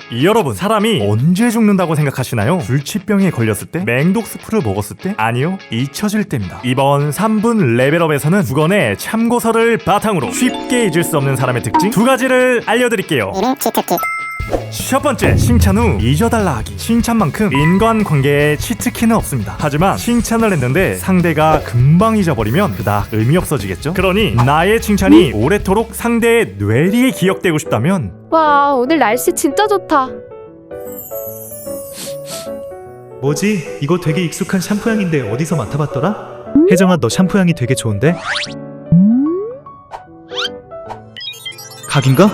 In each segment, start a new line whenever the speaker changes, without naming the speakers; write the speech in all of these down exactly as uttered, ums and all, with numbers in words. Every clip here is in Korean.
여러분, 사람이 언제 죽는다고 생각하시나요? 불치병에 걸렸을 때? 맹독스프를 먹었을 때? 아니요, 잊혀질 때입니다. 이번 삼 분 레벨업에서는 두 권의 참고서를 바탕으로 쉽게 잊을 수 없는 사람의 특징 두 가지를 알려드릴게요. 첫 번째, 칭찬 후 잊어달라 하기. 칭찬만큼 인간관계에 치트키는 없습니다. 하지만 칭찬을 했는데 상대가 금방 잊어버리면 그닥 의미 없어지겠죠? 그러니 나의 칭찬이 오래도록 상대의 뇌리에 기억되고 싶다면
와, 오늘 날씨 진짜 좋다.
뭐지? 이거 되게 익숙한 샴푸 향인데 어디서 맡아봤더라? 혜정아, 너 샴푸 향이 되게 좋은데? 각인가?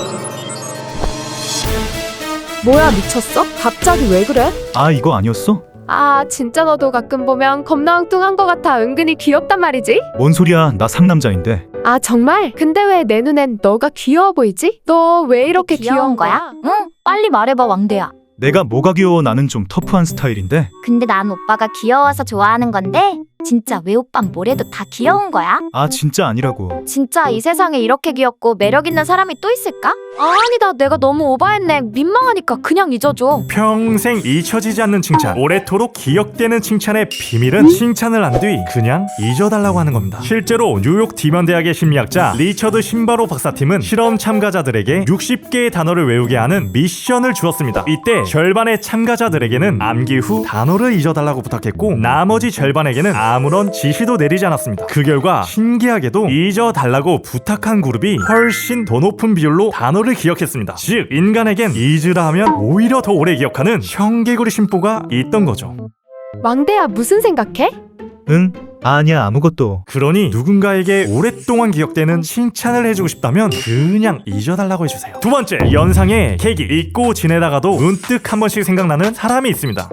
뭐야, 미쳤어? 갑자기 왜 그래?
아, 이거 아니었어?
아, 진짜 너도 가끔 보면 겁나 엉뚱한 거 같아. 은근히 귀엽단 말이지?
뭔 소리야, 나 상남자인데.
아, 정말? 근데 왜 내 눈엔 너가 귀여워 보이지? 너 왜 이렇게 귀여운 거야?
응? 빨리 말해봐, 왕대야.
내가 뭐가 귀여워? 나는 좀 터프한 스타일인데.
근데 난 오빠가 귀여워서 좋아하는 건데 진짜 왜 오빤 뭐래도 다 귀여운 거야?
아, 진짜 아니라고.
진짜 이 세상에 이렇게 귀엽고 매력 있는 사람이 또 있을까? 아니다, 내가 너무 오바했네. 민망하니까 그냥 잊어줘.
평생 잊혀지지 않는 칭찬, 오래도록 기억되는 칭찬의 비밀은 칭찬을 한 뒤 그냥 잊어달라고 하는 겁니다. 실제로 뉴욕 디먼 대학의 심리학자 리처드 신바로 박사팀은 실험 참가자들에게 육십 개의 단어를 외우게 하는 미션을 주었습니다. 이때 절반의 참가자들에게는 암기 후 단어를 잊어달라고 부탁했고 나머지 절반에게는 아무런 지시도 내리지 않았습니다. 그 결과 신기하게도 잊어달라고 부탁한 그룹이 훨씬 더 높은 비율로 단어를 기억했습니다. 즉, 인간에겐 잊으라 하면 오히려 더 오래 기억하는 청개구리 심보가 있던 거죠.
왕대야, 무슨 생각해?
응? 아니야, 아무것도.
그러니 누군가에게 오랫동안 기억되는 칭찬을 해주고 싶다면 그냥 잊어달라고 해주세요. 두 번째, 연상의 계기. 잊고 지내다가도 문득 한 번씩 생각나는 사람이 있습니다.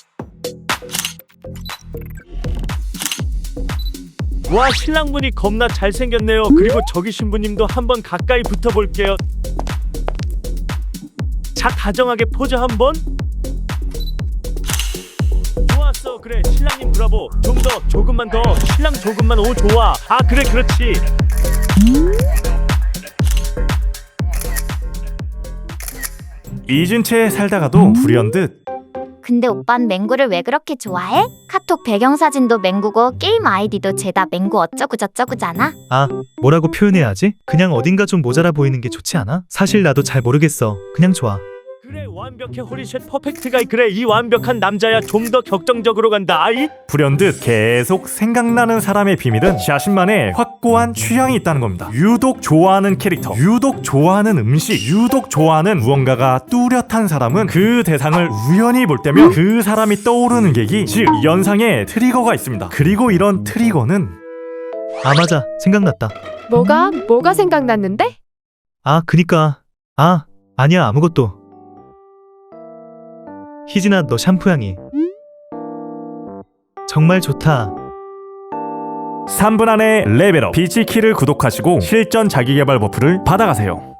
와, 신랑분이 겁나 잘생겼네요. 그리고 저기 신부님도 한번 가까이 붙어볼게요. 자, 다정하게 포즈 한번. 좋았어. 그래, 신랑님 브라보. 좀 더, 조금만 더. 신랑 조금만. 오, 좋아. 아, 그래, 그렇지.
잊은 채 살다가도 불현듯
근데 오빤 맹구를 왜 그렇게 좋아해? 카톡 배경사진도 맹구고 게임 아이디도 죄다 맹구 어쩌구저쩌구잖아.
아, 뭐라고 표현해야 하지? 그냥 어딘가 좀 모자라 보이는 게 좋지 않아? 사실 나도 잘 모르겠어. 그냥 좋아.
그래, 완벽해. 홀리쉣 퍼펙트 가이. 그래, 이 완벽한 남자야. 좀 더 격정적으로 간다. 아이.
불현듯 계속 생각나는 사람의 비밀은 자신만의 확고한 취향이 있다는 겁니다. 유독 좋아하는 캐릭터, 유독 좋아하는 음식, 유독 좋아하는 무언가가 뚜렷한 사람은 그 대상을 우연히 볼 때면 그 사람이 떠오르는 계기, 즉 연상의 트리거가 있습니다. 그리고 이런 트리거는
아, 맞아. 생각났다.
뭐가? 뭐가 생각났는데?
아, 그니까. 아, 아니야, 아무것도. 희진아, 너 샴푸 향이 정말 좋다.
삼 분 안에 레벨업 비치키를 구독하시고 실전 자기개발 버프를 받아가세요.